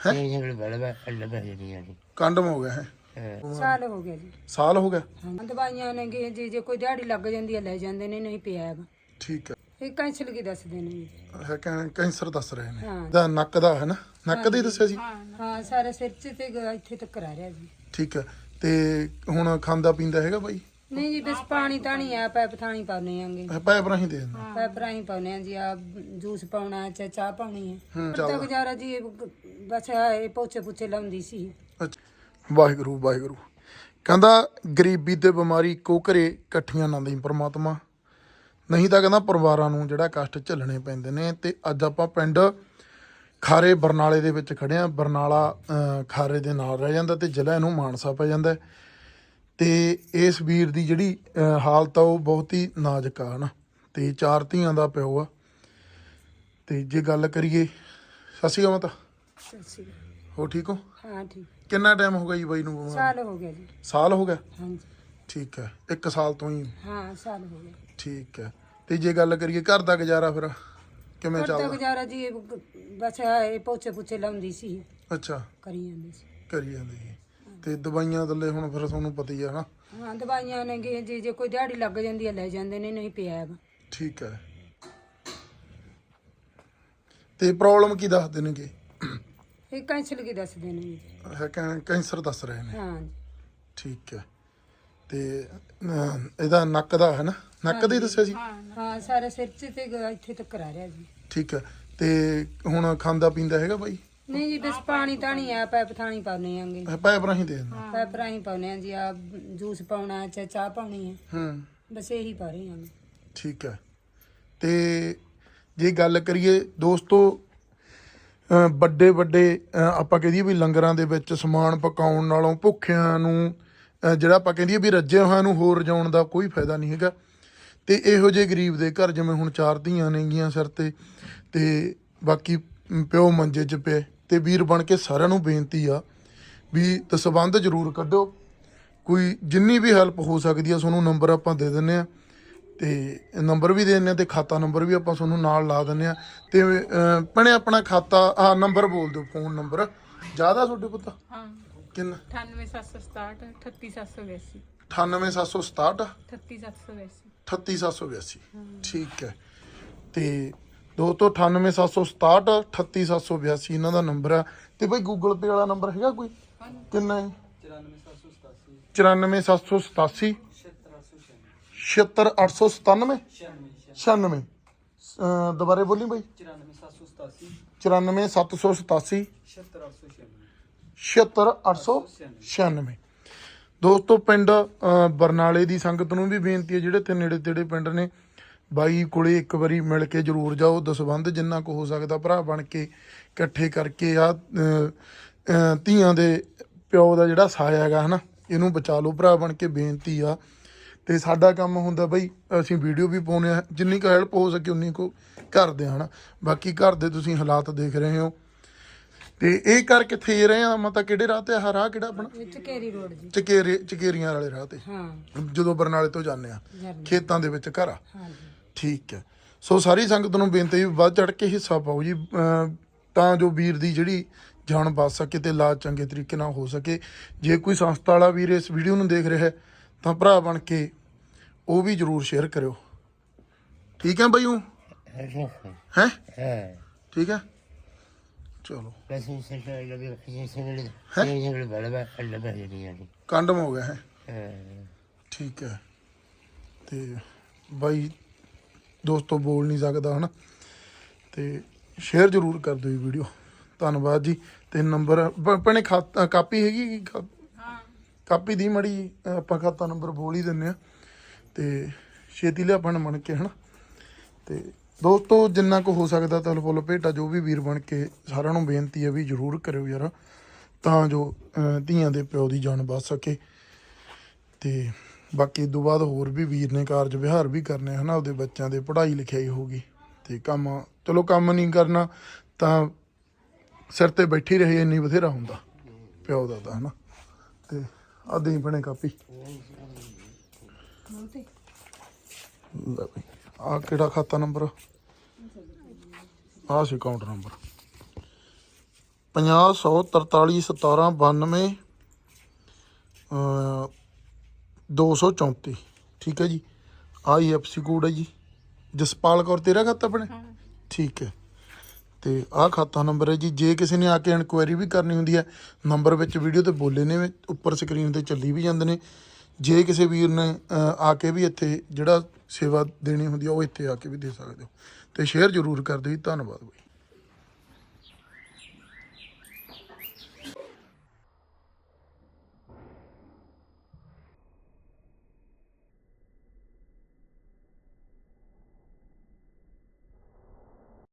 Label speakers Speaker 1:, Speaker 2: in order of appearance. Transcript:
Speaker 1: Condemn ਹੋ ਗਿਆ ਹੈ
Speaker 2: ਸਾਲ ਹੋ ਗਿਆ ਜੀ।
Speaker 1: ਸਾਲ ਹੋ ਗਿਆ
Speaker 2: ਦਵਾਈਆਂ ਨੇ ਜੇ ਕੋਈ ਦਿਹਾੜੀ ਲੱਗ ਜਾਂਦੀ ਹੈ ਲੈ ਜਾਂਦੇ ਨੇ, ਨਹੀਂ ਪਿਆ ਹੈਗਾ।
Speaker 1: ਠੀਕ ਹੈ
Speaker 2: ਇਹ ਕੈਂਸਲ ਕੀ ਦੱਸਦੇ ਨੇ ਜੀ।
Speaker 1: ਹੈ ਕੈਂਸਰ ਦੱਸ ਰਹੇ ਨੇ
Speaker 2: ਹਾਂ
Speaker 1: ਦਾ ਨੱਕ ਦਾ ਹੈ ਨਾ ਨੱਕ ਦਾ ਹੀ ਦੱਸਿਆ ਸੀ
Speaker 2: ਹਾਂ ਸਾਰੇ ਸਿਰ 'ਚ ਤੇ ਇੱਥੇ ਤੱਕ ਆ ਰਿਹਾ ਜੀ।
Speaker 1: ਠੀਕ ਹੈ ਤੇ ਹੁਣ ਖਾਂਦਾ ਪੀਂਦਾ ਹੈਗਾ ਬਾਈ
Speaker 2: ਨਹੀਂ ਜੀ ਬਸ ਪਾਣੀ ਤਾਣੀ ਆ ਪੈਪ ਥਾਣੀ ਪਾਉਣੇ ਆਂਗੇ
Speaker 1: ਪੈਪ ਰਾਹੀਂ ਦੇ ਦਿੰਦਾ
Speaker 2: ਪੈਪ ਰਾਹੀਂ ਪਾਉਣੇ ਆ ਜੀ। ਆ ਜੂਸ ਪਾਉਣਾ ਚਾਹ ਚਾਹ ਪਾਉਣੀ ਹੈ ਤਾਂ
Speaker 1: ਚੱਲ
Speaker 2: ਗੁਜ਼ਾਰਾ ਜੀ ਬਸ ਇਹ ਪੋਚੇ ਪੁੱਛੇ ਲਾਉਂਦੀ ਸੀ।
Speaker 1: ਅੱਛਾ ਵਾਹਿਗੁਰੂ ਵਾਹਿਗੁਰੂ ਕਹਿੰਦਾ ਗਰੀਬੀ ਤੇ ਬਿਮਾਰੀ ਇੱਕੋ ਘਰੇ ਇਕੱਠੀਆਂ ਨਾ ਦੇਈ ਪ੍ਰਮਾਤਮਾ, ਨਹੀਂ ਤਾਂ ਕਹਿੰਦਾ ਪਰਿਵਾਰਾਂ ਨੂੰ ਜਿਹੜਾ ਕਸ਼ਟ ਝੱਲਣੇ ਪੈਂਦੇ ਨੇ। ਤੇ ਅੱਜ ਆਪਾਂ ਪਿੰਡ ਖਾਰੇ ਬਰਨਾਲੇ ਦੇ ਵਿੱਚ ਖੜੇ ਆ। ਬਰਨਾਲਾ ਖਾਰੇ ਦੇ ਨਾਲ ਰਹਿ ਜਾਂਦਾ ਤੇ ਜ਼ਿਲ੍ਹਾ ਇਹਨੂੰ ਮਾਨਸਾ ਪੈ ਜਾਂਦਾ। ਤੇ ਇਸ ਵੀਰ ਦੀ ਜਿਹੜੀ ਹਾਲਤ ਆ ਉਹ ਬਹੁਤ ਹੀ ਨਾਜ਼ੁਕ ਆ ਨਾ। ਤੇ 4 ਧੀਆਂ ਦਾ ਪਿਓ ਆ। ਤੇ ਜੇ ਗੱਲ ਕਰੀਏ ਸਤਿ ਸ਼੍ਰੀ ਅਕਾਲ ਮਾਤਾ, ਹੋ ਠੀਕ ਹੋ?
Speaker 2: ਹਾਂ ਠੀਕ।
Speaker 1: ਕਿੰਨਾ ਟਾਈਮ ਹੋ ਗਿਆ ਜੀ ਬਾਈ ਨੂੰ ਬਿਮਾਰ?
Speaker 2: ਸਾਲ ਹੋ ਗਿਆ ਜੀ।
Speaker 1: ਸਾਲ ਹੋ ਗਿਆ?
Speaker 2: ਹਾਂਜੀ
Speaker 1: ਠੀਕ ਹੈ 1 ਸਾਲ ਤੋਂ ਹੀ?
Speaker 2: ਹਾਂ ਸਾਲ ਹੋ ਗਿਆ।
Speaker 1: ਠੀਕ ਹੈ ਤੇ ਜੇ ਗੱਲ ਕਰੀਏ ਘਰ ਦਾ ਗੁਜ਼ਾਰਾ ਫਿਰ ਕਿਵੇਂ
Speaker 2: ਘਰ ਦਾ
Speaker 1: ਚੱਲਦਾ?
Speaker 2: ਗੁਜ਼ਾਰਾ ਜੀ ਬਸ ਇਹ ਪੋਚੇ ਪੁੱਛੇ ਲਾਉਂਦੀ ਸੀ,
Speaker 1: ਅੱਛਾ
Speaker 2: ਕਰੀ ਜਾਂਦੀ ਸੀ।
Speaker 1: ਕਰੀ ਜਾਂਦੀ ਸੀ ਤੇ ਦਵਾਈਆਂ ਥੱਲੇ ਹੁਣ ਫਿਰ ਤੁਹਾਨੂੰ ਪਤਾ ਹੀ ਆ ਨਾ।
Speaker 2: ਹਾਂ ਦਵਾਈਆਂ ਨੇ ਜੇ ਕੋਈ ਦਿਹਾੜੀ ਲੱਗ ਜਾਂਦੀ ਹੈ ਲੈ ਜਾਂਦੇ ਨੇ, ਨਹੀਂ ਪਿਆ ਹੈਗਾ।
Speaker 1: ਠੀਕ ਹੈ ਤੇ ਪ੍ਰੋਬਲਮ ਕੀ ਦੱਸਦੇ ਨੇਗੇ?
Speaker 2: ਇਹ ਕੈਂਸਲ ਕੀ ਦੱਸਦੇ ਨੇ ਜੀ।
Speaker 1: ਹੈ ਕੈਂਸਰ ਦੱਸ ਰਹੇ ਨੇ।
Speaker 2: ਹਾਂ ਜੀ।
Speaker 1: ਠੀਕ ਹੈ ਤੇ ਇਹਦਾ ਨੱਕ ਦਾ ਹੈ ਨਾ ਨੱਕ ਦਾ ਹੀ ਦੱਸਿਆ ਸੀ?
Speaker 2: ਹਾਂ ਸਾਰੇ ਸਿਰ 'ਚ ਤੇ ਇੱਥੇ ਤੱਕ ਆ ਰਿਹਾ ਜੀ।
Speaker 1: ਠੀਕ ਹੈ ਤੇ ਹੁਣ ਖਾਂਦਾ ਪੀਂਦਾ ਹੈਗਾ ਬਾਈ?
Speaker 2: ਨਹੀਂ ਜੀ ਬਸ ਪਾਣੀ ਤਾਣੀ ਆ ਪੈਪ ਥਾਣੀ ਪਾਉਣੇ ਆਂਗੇ
Speaker 1: ਪੈਪ ਰਾਹੀਂ ਦੇ ਦਿੰਦਾ
Speaker 2: ਪੈਪ ਰਾਹੀਂ ਪਾਉਣੇ ਆ ਜੀ। ਆ ਜੂਸ ਪਾਉਣਾ ਚਾਹ ਚਾਹ ਪਾਉਣੀ ਹੈ ਬਸ ਇਹੀ ਪਾ ਰਹੇ ਆਂਗੇ।
Speaker 1: ਠੀਕ ਹੈ ਤੇ ਜੇ ਗੱਲ ਕਰੀਏ ਦੋਸਤੋ ਵੱਡੇ ਵੱਡੇ ਆਪਾਂ ਕਹੀਏ ਵੀ ਲੰਗਰਾਂ ਦੇ ਵਿੱਚ ਸਮਾਨ ਪਕਾਉਣ ਨਾਲੋਂ ਭੁੱਖਿਆਂ ਨੂੰ ਜਿਹੜਾ ਆਪਾਂ ਕਹਿੰਦੇ ਵੀ ਰੱਜੇ ਹੋਇਆਂ ਨੂੰ ਹੋਰ ਰਜਾਉਣ ਦਾ ਕੋਈ ਫਾਇਦਾ ਨਹੀਂ ਹੈਗਾ। ਤੇ ਇਹੋ ਜਿਹੇ ਗਰੀਬ ਦੇ ਘਰ ਜਿਵੇਂ ਹੁਣ 4 ਧੀਆਂ ਨੇਗੀਆਂ ਸਿਰ ਤੇ ਬਾਕੀ ਪਿਓ ਮੰਜੇ 'ਚ ਪਏ ਤੇ ਵੀਰ ਬਣ ਕੇ ਸਾਰਿਆਂ ਨੂੰ ਬੇਨਤੀ ਆ ਵੀ ਦਸਬੰਧ ਜ਼ਰੂਰ ਕੱਢੋ। ਕੋਈ ਜਿੰਨੀ ਵੀ ਹੈਲਪ ਹੋ ਸਕਦੀ ਆ ਤੁਹਾਨੂੰ ਨੰਬਰ ਆਪਾਂ ਦੇ ਦਿੰਦੇ ਆ ਤੇ ਨੰਬਰ ਵੀ ਦੇ ਦਿੰਦੇ ਆ ਤੇ ਖਾਤਾ ਨੰਬਰ ਵੀ ਆਪਾਂ ਤੁਹਾਨੂੰ ਨਾਲ ਲਾ ਦਿੰਦੇ ਆ। ਤੇ ਭੈਣੇ ਆਪਣਾ ਖਾਤਾ ਨੰਬਰ ਬੋਲ ਦਿਓ, ਫੋਨ ਨੰਬਰ ਜ਼ਿਆਦਾ ਤੁਹਾਡੇ ਪੁੱਤ? ਹਾਂ ਕਿੰਨਾ?
Speaker 2: 98767 38782
Speaker 1: 98767
Speaker 2: 38782
Speaker 1: 38782। ਠੀਕ ਹੈ ਤੇ ਦੋਸਤੋ 98767 38782 ਇਹਨਾਂ ਦਾ ਨੰਬਰ ਆ। ਤੇ ਬਈ ਗੂਗਲ ਪੇ ਵਾਲਾ ਨੰਬਰ ਹੈਗਾ ਕੋਈ? ਕਿੰਨਾ ਹੈ? 94787 76897 96। ਦੁਬਾਰੇ ਬੋਲੀ ਬਾਈ। 94787 76896। ਦੋਸਤੋ ਪਿੰਡ ਬਰਨਾਲੇ ਦੀ ਸੰਗਤ ਨੂੰ ਵੀ ਬੇਨਤੀ ਹੈ ਜਿਹੜੇ ਇੱਥੇ ਨੇੜੇ ਤੇੜੇ ਪਿੰਡ ਨੇ ਬਾਈ ਕੋਲੇ ਇੱਕ ਵਾਰੀ ਮਿਲ ਕੇ ਜ਼ਰੂਰ ਜਾਓ। ਦਸਬੰਧ ਜਿੰਨਾ ਕੁ ਹੋ ਸਕਦਾ ਭਰਾ ਬਣ ਕੇ ਇਕੱਠੇ ਕਰਕੇ ਆ ਧੀਆਂ ਦੇ ਪਿਓ ਦਾ ਜਿਹੜਾ ਸਾਇਆ ਹੈਗਾ ਹੈ ਨਾ ਇਹਨੂੰ ਬਚਾ ਲਓ ਭਰਾ ਬਣ ਕੇ, ਬੇਨਤੀ ਆ। ਤੇ ਸਾਡਾ ਕੰਮ ਹੁੰਦਾ ਬਈ ਅਸੀਂ ਵੀਡੀਓ ਵੀ ਪਾਉਂਦੇ ਆ, ਜਿੰਨੀ ਕੁ ਹੈਲਪ ਹੋ ਸਕੇ ਉਨੀ ਕੁ ਕਰਦੇ ਹਾਂ ਨਾ। ਬਾਕੀ ਘਰ ਦੇ ਤੁਸੀਂ ਹਾਲਾਤ ਦੇਖ ਰਹੇ ਹੋ। ਤੇ ਇਹ ਕਰ ਕਿੱਥੇ ਰਹੇ ਆ ਮਤਾ ਕਿਹੜੇ ਰਾਹ ਤੇ ਆ? ਰਾਹ ਕਿਹੜਾ ਆਪਣਾ?
Speaker 2: ਚਕੇਰੀ ਰੋਡ ਜੀ।
Speaker 1: ਚਕੇਰੀਆਂ ਵਾਲੇ ਰਾਹ ਤੇ
Speaker 2: ਹਾਂ
Speaker 1: ਜਦੋਂ ਬਰਨਾਲੇ ਤੋਂ ਜਾਂਦੇ ਆ ਖੇਤਾਂ ਦੇ ਵਿੱਚ ਘਰ ਆ।
Speaker 2: ਹਾਂ
Speaker 1: ਠੀਕ ਹੈ ਸੋ ਸਾਰੀ ਸੰਗਤ ਨੂੰ ਬੇਨਤੀ ਵੀ ਵੱਧ ਚੜ ਕੇ ਹਿੱਸਾ ਪਾਓ ਜੀ ਤਾਂ ਜੋ ਵੀਰ ਦੀ ਜਿਹੜੀ ਜਾਨ ਬਚ ਸਕੇ ਤੇ ਇਲਾਜ ਚੰਗੇ ਤਰੀਕੇ ਨਾਲ ਹੋ ਸਕੇ। ਜੇ ਕੋਈ ਸੰਸਥਾ ਵਾਲਾ ਵੀਰ ਇਸ ਵੀਡੀਓ ਨੂੰ ਦੇਖ ਰਿਹਾ ਤਾਂ ਭਰਾ ਬਣ ਕੇ ਉਹ ਵੀ ਜ਼ਰੂਰ ਸ਼ੇਅਰ ਕਰਿਓ। ਠੀਕ ਹੈ ਬਾਈ? ਉਹ ਹੈ ਠੀਕ ਹੈ ਚਲੋ। ਕੰਡਮ ਹੋ ਗਿਆ ਹੈ ਠੀਕ ਹੈ ਤੇ ਬਾਈ ਦੋਸਤੋ ਬੋਲ ਨਹੀਂ ਸਕਦਾ ਹਨਾ ਤੇ ਸ਼ੇਅਰ ਜ਼ਰੂਰ ਕਰ ਦਿਓ ਵੀਡੀਓ। ਧੰਨਵਾਦ ਜੀ। ਤੇ ਨੰਬਰ ਭੈਣੇ ਕਾਪੀ ਹੈਗੀ? ਕਾਪੀ ਦੀ ਮੜੀ ਆਪਾਂ ਖਾਤਾ ਨੰਬਰ ਬੋਲ ਹੀ ਦਿੰਦੇ ਆ ਤੇ ਛੇਤੀ ਲਿਆ ਬਣ ਬਣ ਕੇ ਹਨਾ। ਤੇ ਦੋਸਤੋ ਜਿੰਨਾ ਕੁ ਹੋ ਸਕਦਾ ਤਾਂ ਫੁੱਲ ਭੇਟਾ ਜੋ ਵੀ ਵੀਰ ਬਣ ਕੇ ਸਾਰਿਆਂ ਨੂੰ ਬੇਨਤੀ ਹੈ ਵੀ ਜ਼ਰੂਰ ਕਰਿਓ ਯਾਰ ਤਾਂ ਜੋ ਧੀਆਂ ਦੇ ਪਿਓ ਦੀ ਜਾਨ ਬਚ ਸਕੇ। ਤੇ ਬਾਕੀ ਇਸ ਤੋਂ ਬਾਅਦ ਹੋਰ ਵੀ ਵੀਰ ਨੇ ਕਾਰਜ ਵਿਹਾਰ ਵੀ ਕਰਨੇ ਹਨਾ, ਆਪਦੇ ਬੱਚਿਆਂ ਦੇ ਪੜ੍ਹਾਈ ਲਿਖਾਈ ਹੋਊਗੀ ਤੇ ਕੰਮ ਚਲੋ ਕੰਮ ਨਹੀਂ ਕਰਨਾ ਤਾਂ ਸਿਰ ਤੇ ਬੈਠੀ ਰਹੇ ਇੰਨੀ ਬਥੇਰਾ ਹੁੰਦਾ ਪਿਓ ਦਾ ਤਾਂ ਹਨਾ। ਤੇ ਆ ਦੇਈ ਬਣੇ ਕਾਪੀ ਆ ਕਿਹੜਾ ਖਾਤਾ ਨੰਬਰ? ਆ ਸੀ ਅਕਾਊਂਟ ਨੰਬਰ 50 143 17 92 234। ਠੀਕ ਹੈ ਜੀ। IFSC ਕੋਡ ਹੈ ਜੀ। ਜਸਪਾਲ ਕੌਰ ਤੇਰਾ ਖਾਤਾ ਆਪਣੇ? ਠੀਕ ਹੈ। ਤੇ ਆਹ ਖਾਤਾ ਨੰਬਰ ਹੈ ਜੀ। ਜੇ ਕਿਸੇ ਨੇ ਆ ਕੇ ਇਨਕੁਆਇਰੀ ਵੀ ਕਰਨੀ ਹੁੰਦੀ ਹੈ, ਨੰਬਰ ਵਿੱਚ ਵੀਡੀਓ ਤੇ ਬੋਲੇ ਨੇ, ਉੱਪਰ ਸਕਰੀਨ ਤੇ ਚੱਲੀ ਵੀ ਜਾਂਦੇ ਨੇ। ਜੇ ਕਿਸੇ ਵੀਰ ਨੇ ਆ ਕੇ ਵੀ ਇੱਥੇ ਜਿਹੜਾ ਸੇਵਾ ਦੇਣੀ ਹੁੰਦੀ ਆ, ਉਹ ਇੱਥੇ ਆ ਕੇ ਵੀ ਦੇ ਸਕਦੇ ਹੋ। ਤੇ ਸ਼ੇਅਰ ਜ਼ਰੂਰ ਕਰ ਦਿਓ ਜੀ। ਧੰਨਵਾਦ ਬਾਈ।